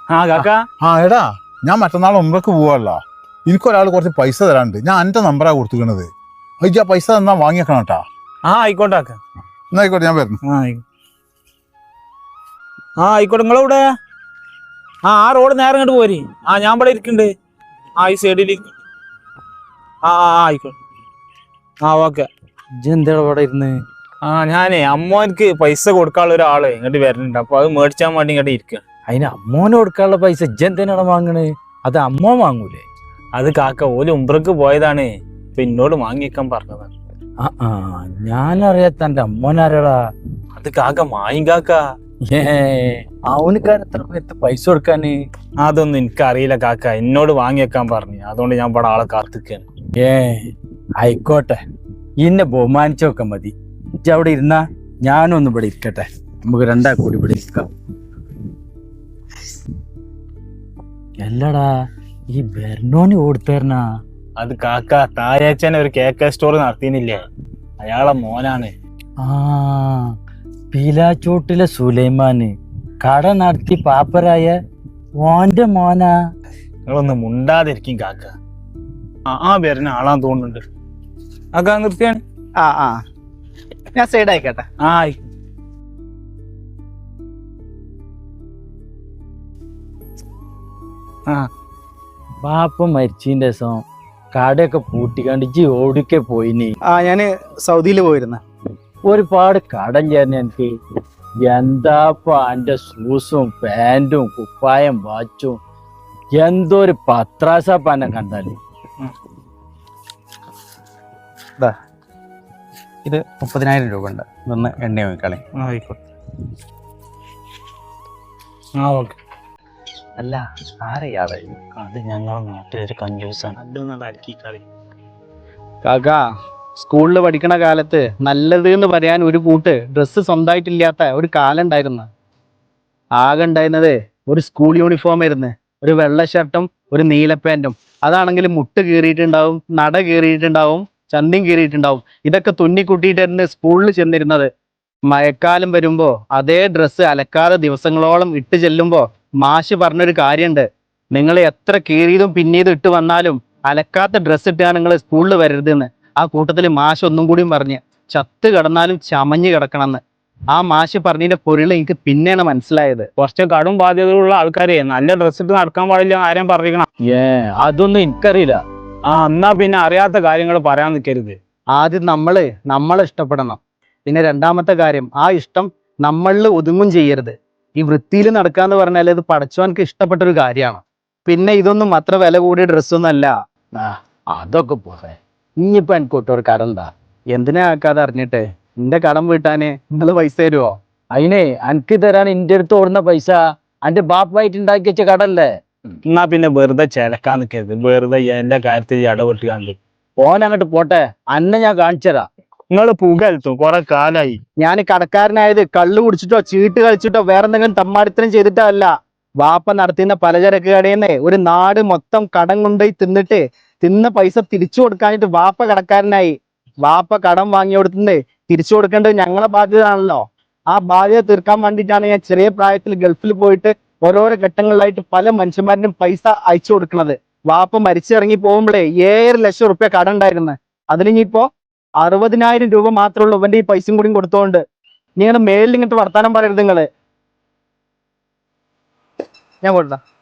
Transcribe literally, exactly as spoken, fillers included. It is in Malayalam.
ആ കാക്ക ആ എടാ ഞാൻ മറ്റന്നാൾ ഒമ്പക്ക് പോവാല്ല. എനിക്കൊരാൾ കുറച്ച് പൈസ തരാണ്ട്. ഞാൻ എൻ്റെ നമ്പറാ കൊടുത്തിക്കണത്. അയ്യ പൈസ തന്നാ വാങ്ങിയേക്കണം കേട്ടാ. ആ ആയിക്കോട്ടെ കാക്ക. എന്നാ ആയിക്കോട്ടെ, ഞാൻ വരുന്നു. ആ ആ ആയിക്കോട്ടെ. നിങ്ങളെവിടെ? ആ ആ റോഡ് നേരെ ഇങ്ങോട്ട് പോരി. ആ ഞാൻ ഇവിടെ ഇരിക്കുന്നുണ്ട്. ആ ഈ സൈഡിൽ. ആ ആ ആയിക്കോട്ടെ. ആ ഓക്കെ. എന്താ ഇവിടെ ഇരുന്ന്? ആ ഞാനേ അമ്മോനക്ക് പൈസ കൊടുക്കാനുള്ള ഒരാള് ഇങ്ങോട്ട് വരുന്നുണ്ട്. അപ്പൊ അത് മേടിച്ചാൻ വേണ്ടി ഇങ്ങോട്ട് ഇരിക്കുക. അതിന് അമ്മോന് കൊടുക്കാനുള്ള പൈസ ഇജ്ജെന്തിനാണ് വാങ്ങണേ? അത് അമ്മ വാങ്ങൂലേ? അത് കാക്ക ഓല് ഉംറക്ക് പോയതാണ്. ഇപ്പൊ എന്നോട് വാങ്ങിയേക്കാൻ പറഞ്ഞതാണ്. ആ ആ ഞാനറിയാത്ത എന്റെ അമ്മോനാരടാ? അത് കാക്ക മായും കാക്ക. ഏ അവനക്കാർ എത്ര പേർക്ക് പൈസ കൊടുക്കാന്? അതൊന്നും എനിക്കറിയില്ല കാക്ക. എന്നോട് വാങ്ങിയേക്കാൻ പറഞ്ഞു. അതുകൊണ്ട് ഞാൻ ഇവിടെ ആളെ കാത്തിക്കാണ്. ഏ ആയിക്കോട്ടെ, ഇന്നെ ബഹുമാനിച്ചൊക്കെ മതി. ഇജ്ജ് അവിടെ ഇരുന്നാ ഞാനൊന്നും ഇവിടെ ഇരിക്കട്ടെ. നമുക്ക് രണ്ടാ കൂടി ഇവിടെ ഇരിക്കാം. അല്ലടാ ഈ ബെർണോന് കൊടുത്തേർന്നാ? അത് കാക്ക തായാച്ചനെ ഒരു കേക്ക് സ്റ്റോർ നടത്തിനില്ലേ, അയാളെ മോനാണ്. ആ പീലാച്ചോട്ടിലെ സുലൈമാന് കട നടത്തി പാപ്പരായ ഓന്റെ മോനാ? നിങ്ങളൊന്ന് മുണ്ടാതിരിക്കും കാക്ക. ആ ആ വരുന്ന ആളാന്ന് തോന്നുന്നുണ്ട്. കാക്ക നിർത്തിയാണ്. ആ ആ ഞാൻ സൈഡ് ആയിക്കട്ടെ. ആ ആ പാപ്പ മരിച്ചതിന്റെ ദിവസം കടയൊക്കെ പൂട്ടിക്കാണ്ട് ഇജ്ജ് ഓടിക്കെ പോയിനി? ആ ഞാന് സൗദിയിൽ പോയിരുന്നു. ഒരുപാട് കടം ചേർന്ന് എനിക്ക്. എന്താപ്പ എന്റെ ഷൂസും പാൻറ്റും കുപ്പായം വാച്ചും എന്തോ ഒരു പത്രാസപ്പ എന്നെ കണ്ടാല്. ഇത് മുപ്പതിനായിരം രൂപ ഉണ്ട്. ഇതൊന്ന് എണ്ണ നോക്കിക്കളെ. ആയിക്കോട്ടെ. ആ ഓക്കെ. അല്ല ആരെയാളെ? അത് ഞങ്ങളെ നാട്ടിലൊരു കഞ്ചൂസാണ്. കളി കാക്കാ, സ്കൂളിൽ പഠിക്കണ കാലത്ത് നല്ലത് എന്ന് പറയാൻ ഒരു കൂട്ട് ഡ്രസ്സ് സ്വന്തമായിട്ടില്ലാത്ത ഒരു കാലം ഉണ്ടായിരുന്നു. ആകെ ഉണ്ടായിരുന്നത് ഒരു സ്കൂൾ യൂണിഫോം ആയിരുന്നു. ഒരു വെള്ള ഷർട്ടും ഒരു നീല പാൻറ്റും. അതാണെങ്കിൽ മുട്ട് കീറിയിട്ടുണ്ടാവും, നട കീറിയിട്ടുണ്ടാവും, ചന്തിയും കീറിയിട്ടുണ്ടാവും. ഇതൊക്കെ തുന്നിക്കുട്ടിയിട്ടായിരുന്നു സ്കൂളിൽ ചെന്നിരുന്നത്. മഴക്കാലം വരുമ്പോൾ അതേ ഡ്രസ്സ് അലക്കാതെ ദിവസങ്ങളോളം ഇട്ട് ചെല്ലുമ്പോൾ മാഷ് പറഞ്ഞൊരു കാര്യമുണ്ട്: നിങ്ങൾ എത്ര കീറിയതും പിന്നീതും ഇട്ട് വന്നാലും അലക്കാത്ത ഡ്രസ്സ് ഇട്ടാണ് നിങ്ങൾ സ്കൂളിൽ വരരുതെന്ന്. ആ കൂട്ടത്തിൽ മാഷ് ഒന്നും കൂടിയും പറഞ്ഞ് ചത്ത് കിടന്നാലും ചമഞ്ഞ് കിടക്കണമെന്ന്. ആ മാഷ് പറഞ്ഞതിന്റെ പൊരുൾ എനിക്ക് പിന്നെയാണ് മനസ്സിലായത്. കുറച്ച് കടും ബാധ്യതയുള്ള ആൾക്കാരെ നല്ല ഡ്രസ് ഇട്ട് നടക്കാൻ പാടില്ല ആരെയും പറഞ്ഞിരിക്കണം. ഏ അതൊന്നും എനിക്കറിയില്ല. ആ എന്നാ പിന്നെ അറിയാത്ത കാര്യങ്ങൾ പറയാൻ നിൽക്കരുത്. ആദ്യം നമ്മള് നമ്മളെ ഇഷ്ടപ്പെടണം. പിന്നെ രണ്ടാമത്തെ കാര്യം, ആ ഇഷ്ടം നമ്മളിൽ ഒതുങ്ങും ചെയ്യരുത്. ഈ വൃത്തിയിൽ നടക്കാന്ന് പറഞ്ഞാൽ ഇത് പടച്ചോനക്ക് ഇഷ്ടപ്പെട്ടൊരു കാര്യമാണ്. പിന്നെ ഇതൊന്നും അത്ര വില കൂടിയ ഡ്രസ്സൊന്നും അല്ല. ആ അതൊക്കെ പോരെ. ഇനിയിപ്പോ എനിക്കൊട്ട് ഒരു കടം എന്താ? എന്തിനാ ആക്കാതെ അറിഞ്ഞിട്ട്? എന്റെ കടം വീട്ടാന് നിങ്ങൾ പൈസ തരുമോ? അതിനെ എനിക്ക് തരാൻ എന്റെ അടുത്ത് ഓടുന്ന പൈസ എന്റെ ബാപ്പായിട്ട് ഉണ്ടാക്കി വെച്ച കടല്ലേ. എന്നാ പിന്നെ വെറുതെ ചിലക്കാൻ നിൽക്കരുത്. വെറുതെ എന്റെ കാര്യത്തിൽ ഇടപെട്ട് കണ്ടു ഓൻ അങ്ങോട്ട് പോട്ടെ, അന്നെ ഞാൻ കാണിച്ചതാ. നിങ്ങൾ പുകഴ്ത്തും കുറെ കാലായി. ഞാൻ കടക്കാരനായത് കള്ളു കുടിച്ചിട്ടോ ചീട്ട് കളിച്ചിട്ടോ വേറെ എന്തെങ്കിലും തമ്മാടിത്തരം ചെയ്തിട്ടോ അല്ല. വാപ്പ നടത്തുന്ന പലചരക്ക് കടയിൽ നിന്ന് ഒരു നാട് മൊത്തം കടം കൊണ്ടുപോയി തിന്നിട്ട് തിന്ന പൈസ തിരിച്ചു കൊടുക്കാനായിട്ട് വാപ്പ കടക്കാരനായി. വാപ്പ കടം വാങ്ങി കൊടുത്തുന്നത് തിരിച്ചു കൊടുക്കേണ്ടത് ഞങ്ങളെ ബാധ്യത ആണല്ലോ. ആ ബാധ്യത തീർക്കാൻ വേണ്ടിയിട്ടാണ് ഞാൻ ചെറിയ പ്രായത്തിൽ ഗൾഫിൽ പോയിട്ട് ഓരോരോ ഘട്ടങ്ങളിലായിട്ട് പല മനുഷ്യന്മാരിനും പൈസ അയച്ചു കൊടുക്കുന്നത്. വാപ്പ മരിച്ചിറങ്ങി പോകുമ്പോഴേ ഏഴര ലക്ഷം റുപ്യ കടം ഉണ്ടായിരുന്നു. അതിലിനിയിപ്പോ അറുപതിനായിരം രൂപ മാത്രമേ ഉള്ളൂ ഇവന്റെ ഈ പൈസയും കൂടി കൊടുത്തോണ്ട്. നിങ്ങളുടെ മേലിൽ ഇങ്ങോട്ട് വർത്താനം പറയരുത് നിങ്ങള്. ഞാൻ കൊടുത്താ